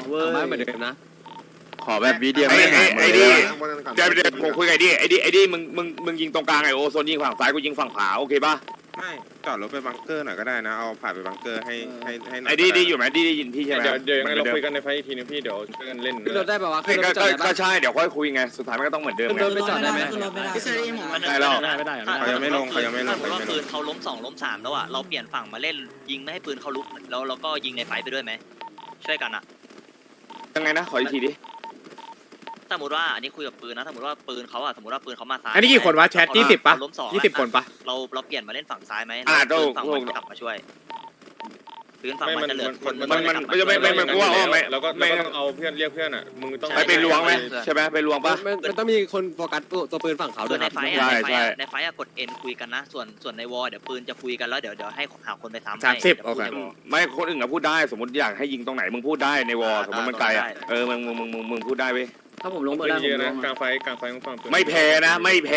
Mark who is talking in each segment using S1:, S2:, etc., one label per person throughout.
S1: เว้ยเหมือนเดิมนะ
S2: ขอแบบวิดีโอไอ้ดิเดี๋ยวผมคุยกับไอ้ดิมึงยิงตรงกลางไอ้โอโซนยิงฝั่งซ้ายกูยิงฝั่งขวาโอเคป่ะ
S3: ไม่จอดรถไปบังเกอร์หน่อยก็ได้นะเอาผ่านไปบังเกอร์ให้หน่อย
S2: ไอ้ดิอยู่ไหมดิได้ยินพี่ใช่ไหม
S4: เดี๋ยวยังไงเราคุยกันในไฟอีกทีนึงพี่เดี๋ยวช่วยกันเล่น
S1: ขึ้นรถได้ป่าวะขึ้นรถไปจอดได้
S2: ก็
S1: ปะ
S2: ใช่เดี๋ยวค่อยคุยไงสุดท้ายมันก็ต้องเหมือนเดิม
S1: ขึ้นรถไปจอดได้ไหม
S2: ได้แล้ว
S3: เขายังไม่ลงเขายังไม่ลง
S5: ถ้าปืนเขาล้ม2ล้ม3แล้วอ่ะเราเปลี่ยนฝั่งมาเล่นยิงไม่ให้ปืนเขาลุกแล้วเราก็ยิงในไฟไปด้วยไหมช่วยกันอ่ะ
S2: ยังไงนะขออีกทีดิ
S5: สมมติว่าอันนี้คุยกับปืนนะสมมติว่าปืนเขาอ่ะสมมติว่าปืนเขามาซ้าย
S6: อันนี้กี่คนวะแชท20ปะ20 คนปะ
S5: เราเปลี่ยนมาเล่นฝั่งซ้ายไหม
S2: ก็
S5: ฝั่งมันกลับมาช่วยปืนฝั่งมันจะเหลือคน
S2: มันกูว่าไม่
S4: แล้วก็ต้องเอาเพื่อนเรียกเพื่อนอ่ะมึงต้อง
S2: ไปลวงไหมใช่ไหมไปลวงป่ะ
S1: มันต้องมีคนโฟกัสตัวปืนฝั่งเขาด้
S5: ส่
S1: ว
S5: วย น
S1: ค
S5: ใน
S1: รับ
S5: ไฟในไฟกดเอ็นคุยกันนะส่วนในวอลเดี๋ยวปืนจะคุยกันแล้วเดี๋ยวให้หาคนไปซ้ำให้
S6: 30โอเค
S2: ไม่คนอื่นก็พูดได้สมมติอยากให้ยิงตรงไหนมึงพูดได้ในวอลสมมติมันไกลอ่ะมึงพูดได้เว้ย
S1: ถ้าผมลงเบอร์ได้ผ
S4: เย
S1: ม
S4: อะ
S1: ล
S4: นะ
S1: ง
S4: กลางไฟมึงฟัง
S2: ไม่แพ้นะ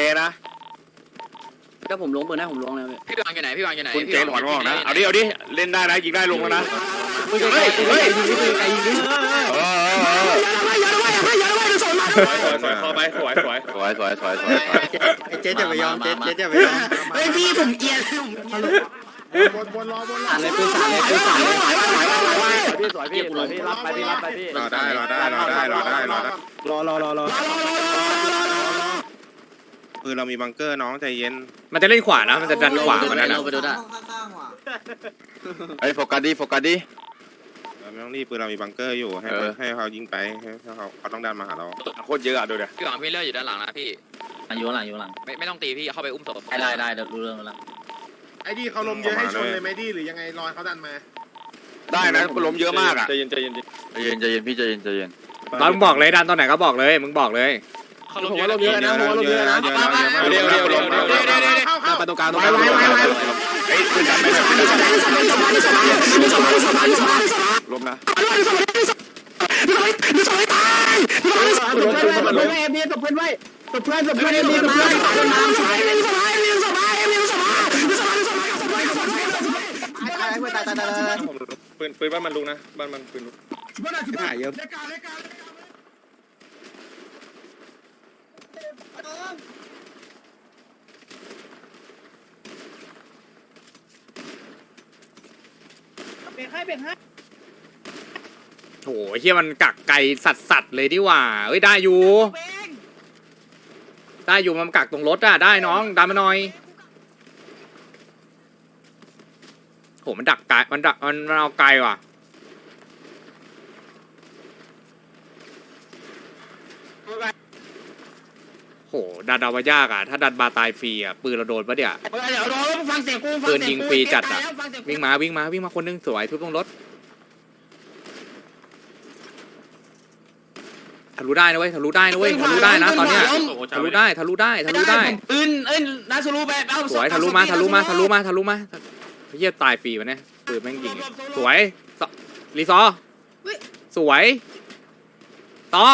S1: ถ้าผมลงเบอร์ได้ผมลงเลย
S7: พี่วางอยู่ไหนพี่วางอยู่ไหน
S2: คุณเจนถอนงอกนะเอาดิเล่นได้นะยิงได้ลงแล้วนะ
S1: มึงไกลยิงดิไกลยิงดิ
S4: สวยเข้าไปสวย
S2: สวย
S1: เจ๊จะไปยอมเจ๊จะไปยอม
S8: เฮ้ยพี่ผมเอียน
S1: สาดเลยปืนสาดเลยปืนสาดเลย
S2: พี่สวยพี่รับไปพี่
S3: รอได้
S1: รอ
S3: ปืนเรามีบังเกอร์น้องใจเย็น
S6: มันจะเล่นขวานะมันจะดันขวามันนั่นนะ
S1: ไปดูได้
S2: ไอ้โฟกัสดิ
S3: ไม่ต้องรีบปืนเรามีบังเกอร์อยู่ให้เขายิงไปให้เขาต้องดันมาหาเรา
S2: โคตรเยอะอ่ะดูเดี๋ยว
S7: พี่วางพี่เลือดอยู่ด้านหลังนะพี่
S1: อยู่หลัง
S7: ไม่ต้องตีพี่เข้าไปอุ้มศพ
S1: ได้เดี๋ยวรู้เรื่องแล้ว
S3: ไอ้ดีเขาลมเยอะให้ชนเลยไหมดีหรือยังไงรอยเขาดันมา
S2: ได้นะล้มเยอะมากอ่ะ
S4: ใจเย็น
S2: ใจเย็นพี่ใจเย็น
S6: ตอนมึงบอกเลยดันตอนไหนก็บอกเลยมึงบอกเลย
S1: ผมว่าลงเยอะนะผมว่าลงเยอะนะ
S2: เร็ว
S1: ไปตรงกลาง
S2: ไอ้ขึ้นดันไปล้มนะ
S1: มันลงเมียตบเพื่อนไว้ตบเพื่อนเมียตบเพื่อนตาย
S4: ปืนบ้านมันลุกนะบ้านมันปืนลุก
S1: ถ่ายเยอะ
S6: โหเฮียมันกักไก่สัตว์เลยดิว่าเอ้ยได้อยู่มันกักตรงรถอะได้น้องดันมาหน่อยโหมันดักไก่มันเอาไก่ว่ะโหดันเอาไปยากอ่ะถ้าดันบาตายฟรีอ่ะปืนเราโดนปะเนี่ย
S8: เดี๋ยวรอฟังเสียงกู
S6: ปืนยิงฟรีจัดอ่ะวิ่งมาคนนึงสวยทุบตรงรถทะลุได้นะเว้ยทะลุได้นะตอนเนี้ยทะลุได้
S8: ปืนนาซูรูไปเอา
S6: สวยทะลุมาเฮียตายฟรีวะเนี่ยปืนแม่งยิงสวยรีซอสวยต่อ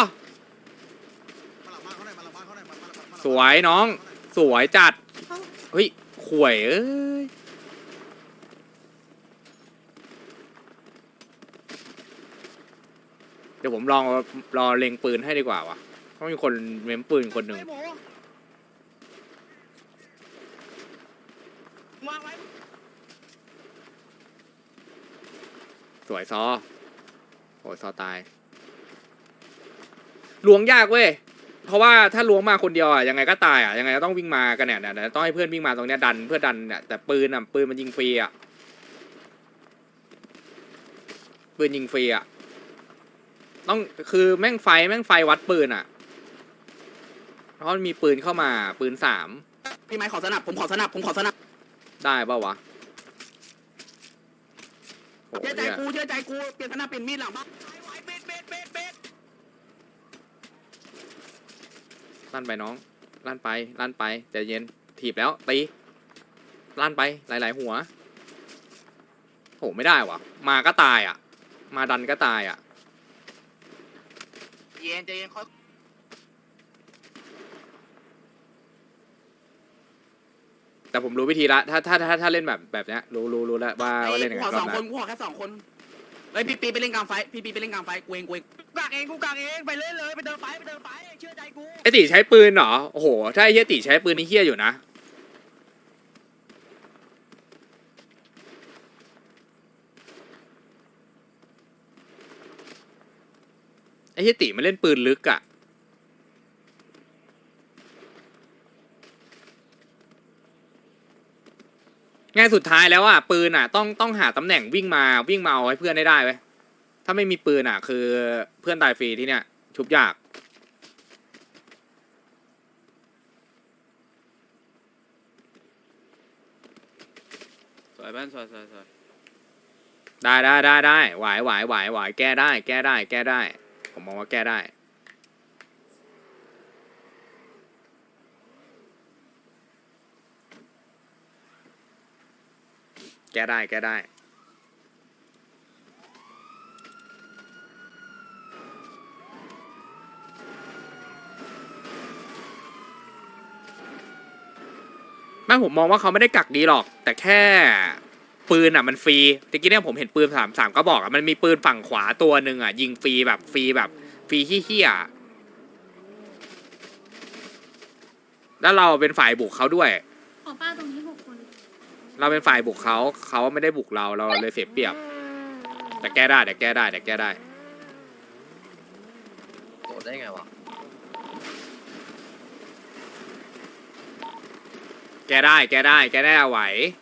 S6: สวยน้องสวยจัดเฮ้ยข่วยเอ้ยเดี๋ยวผมรอเล็งปืนให้ดีกว่าวะต้องมีคนเม้มปืนคนหนึ่งสวยซอโอ้ยซอตายลวงยากเว้ยเพราะว่าถ้าล้วงมาคนเดียวอ่ะยังไงก็ตายอ่ะยังไงก็ต้องวิ่งมากันเนี่ยต้องให้เพื่อนวิ่งมาตรงเนี้ยดันเพื่อดันเนี่ยแต่ปืนมันยิงฟรีอ่ะปืนยิงฟรีอ่ะต้องคือแม่งไฟวัดปืนอ่ะเพราะมันมีปืนเข้ามาปืน3
S8: พี่ไม้ขอสนับผมขอสนับ
S6: ได้ป่าววะ
S8: เชื่อใจกูเปลี่ยนสนับเป็นมีดหลังบ้าน
S6: ลั่นไปน้องลั่นไปใจเย็นถีบแล้วตีลั่นไปหลายๆหัวโหไม่ได้วะมาก็ตายอ่ะมาดันก็ตายอ่ะ
S8: ใจเย็นค่อย
S6: แต่ผมรู้วิธีละถ้าเล่นแบบเนี้ยรู้แล้วว่าเล่นยังไง
S8: ขอ
S6: ร
S8: ส
S6: อ
S8: อบ ง
S6: ห
S8: ค
S6: น้าน
S8: กูขอแค่2 คนฮ้ยพี่ปีไปเล่นกลางไฟพี่ปีไปเล่นกลางไฟกูเองกางเองไปเล่นเลยไปเดินไฟเชื่อใจกู
S6: ไอตีใช้ปืนเหรอโอ้โหถ้าไอเฮียตีใช้ปืนนี่เฮียอยู่นะไอเฮียตีมันเล่นปืนลึกอะง่ายสุดท้ายแล้วอ่ะปืนอ่ะต้องหาตำแหน่งวิ่งมาเอาให้เพื่อนได้เว้ยถ้าไม่มีปืนอ่ะคือเพื่อนตายฟรีที่เนี้ยชุบยาก
S8: สวยบ้านสวย
S6: ได้ไหวแก้ได้ผมมองว่าแก้ได้แก้ได้ไม่ผมมองว่าเขาไม่ได้กักดีหรอกแต่แค่ปืนอ่ะมันฟรีตะกี้เนี่ยผมเห็นปืนสามก็บอกอ่ะมันมีปืนฝั่งขวาตัวหนึ่งอ่ะยิงฟรีแบบฟรีเหี้ยแล้วเราเป็นฝ่ายบุกเขาด้วย
S9: ขอป้าตรงนี้6 คน
S6: เราเป็นฝ่ายบุกเขาไม่ได้บุกเราเลยเสียเปรียบแต่แก้ได้แก้ได้
S7: โดดได้ไงวะ
S6: แก้ได้ไหว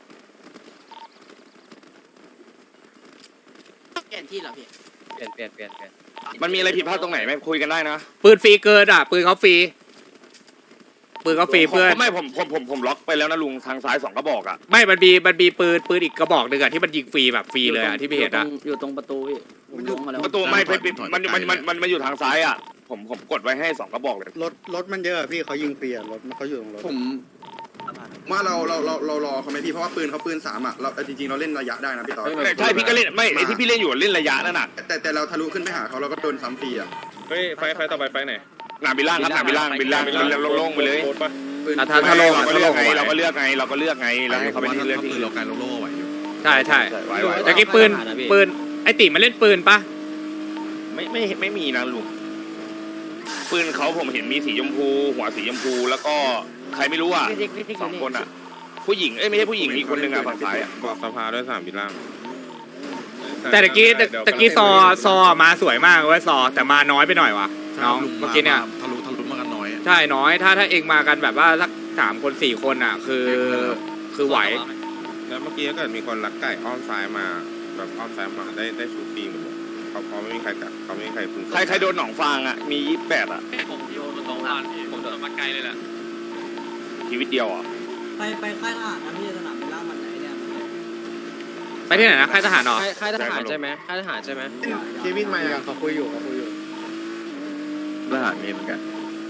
S8: เปลี่ยนที่เหรอพี่
S7: เปลี่ยน
S2: มันมีอะไรผิดพลาดตรงไหนไหมคุยกันได้นะ
S6: ปืนฟรีเกินอ่ะปืนเขาฟรีเพื่อน
S2: ไม่ผมล็อกไปแล้วนะลุงทางซ้าย2กระบอกอ่ะ
S6: ไม่มันมีปืนอีกกระบอกหนึ่งอ่ะที่มันยิงฟรีแบบฟรีเลยอ่ะที่พี่เห็นอ่ะ
S8: อยู่ตรงประตูพี่ผมลงมาแล้ว
S2: ประตูไม่มันอยู่ทางซ้ายอ่ะผมกดไว้ให้2กระบอกเลย
S1: รถมันเยอะพี่เขายิงฟรีรถเขาอยู่ตรงรถ
S10: ผมว่าเรารอเขาไหมพี่เพราะว่าปืนเขาปืน3อ่ะเราจริงๆเราเล่นระยะได้นะพี่ต่อ
S2: ใช่พี่ก็เล่นไม่ไอที่พี่เล่นอยู่เล่นระยะนั่นน่ะ
S10: แต่เราทะลุขึ้นไปหาเขาเราก็โดนซ้ำฟรีอ่ะ
S4: เฮ้ยไฟต่อไปไฟไหน
S2: หนาบิล่างครับหนาบิล่างโล่งไปเลย
S4: โคตรปะ
S6: ถ้าลง
S2: เราก็เลือกไงเราก็เลือกไงแล้วเขาไม่ได้เลือกที่
S3: เราการโลไหวอยู่
S6: ใช่
S2: ไหว
S6: แต่กี้ปืนไอติมันเล่นปืนปะ
S2: ไม่มีนะลุงปืนเขาผมเห็นมีสีชมพูหัวสีชมพูแล้วก็ใครไม่รู้อ่ะ2 คนอ่ะผู้หญิงไม่ใช่ผู้หญิงอีกคนนึงอ่ะฝั่งซ้ายอ่ะ
S3: บอกสภาด้วย3บิล่าง
S6: แต่ตะกี้ซอมาสวยมากเว้ยซอแต่มาน้อยไปหน่อยวะน้องเมื่อกี้เนี่ย
S3: ทะลุมากันน้อย
S6: ใช่น้อยถ้าเองมากันแบบว่าสัก3 คน 4 คนอ่ะคือไหว
S3: แล้วเมื่อกี้ก็เกิดมีคนลักไก่อ้อมซ้ายมาแบบอ้อมซ้ายมาได้ชูฟรีหมดเลยเขาไม่มีใครกัดเขาไม่มีใครคุม
S2: ใครโดนหนองฟางอ่ะมี28อ่ะ
S7: ผมโยนตรงบ้านผมโดนมาไกลเลยแหละ
S2: ชีวิตเดียวอ่ะ
S8: ไปค่ายทหารนะพี่สนามบินล่างมันไหนเนี่ย
S6: ไปที่ไหนนะค่ายทหารเหรอ
S7: ค่ายทหารใช่ไหมค่ายทหารใช่ไหม
S1: เควินมาเขาคุยอยู่
S2: ทหารมีเหมือนกัน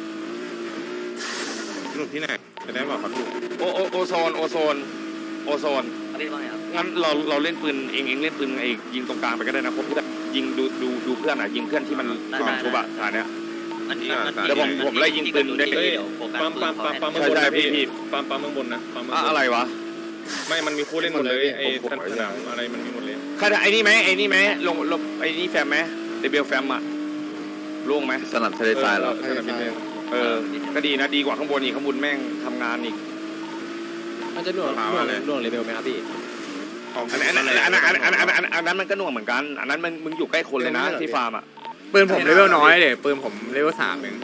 S3: สรุปที่ไหนจะได้บอกเขาถูก
S2: โอโซน
S5: อันนี้ว่าไงครับ
S2: งั้นเราเล่นปืนเองเล่นปืนไอ้ยิงตรงกลางไปก็ได้นะผมยิงดูเพื่อนอ่ะยิงเพื่อนที่มันก่อนทุบอ่ะฐานเนี้ย เดี๋ยวผมไล่ยิงปืนได้
S4: เฮ้ยปั๊มเมืองบนนะพี่ปั๊มเมืองบนนะปั๊มเมืองบน
S2: อะไรวะ
S4: ไม่มันมีคู่เล่นหมดเลยไอ้สนามอะไรมันมีหมดเลย
S2: ใครไอ้นี่ไหมลงไอ้นี่แฟมไหมเดบิวแฟมอ่ะล่วงไหมสนับทะเลทรายเหรอ
S4: สนามบินเลย
S2: ก็ดีนะดีกว่าข้างบนอีกข้างบนแม่งทำงานอีก
S7: มันจะหน่วงเลเวลไหมครับพี่
S2: อันนั้นมันก็หน่วงเหมือนกันอันนั้นมึงอยู่ใกล้คนเลยนะที่ฟาร์มอ่ะ
S6: ปืนผมเลเวลน้อยเดี๋ยปืนผมเลเวล3เอง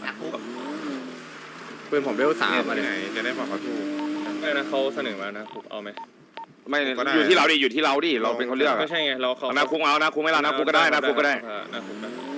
S6: ปืนผมเลเวล3มาเลย
S3: จะได้บอกเขาถูก
S4: ไม่นะเขาเสนอมานะผมเอาไหม
S2: ไม่อยู่ที่เราดิเราเป็นคนเลือก
S4: ไม่ใช่ไงเราเขา
S2: นาคุกเอานาคุกไม่เรานาคุกก็ได้นาคุกก็ได้
S4: นาคุก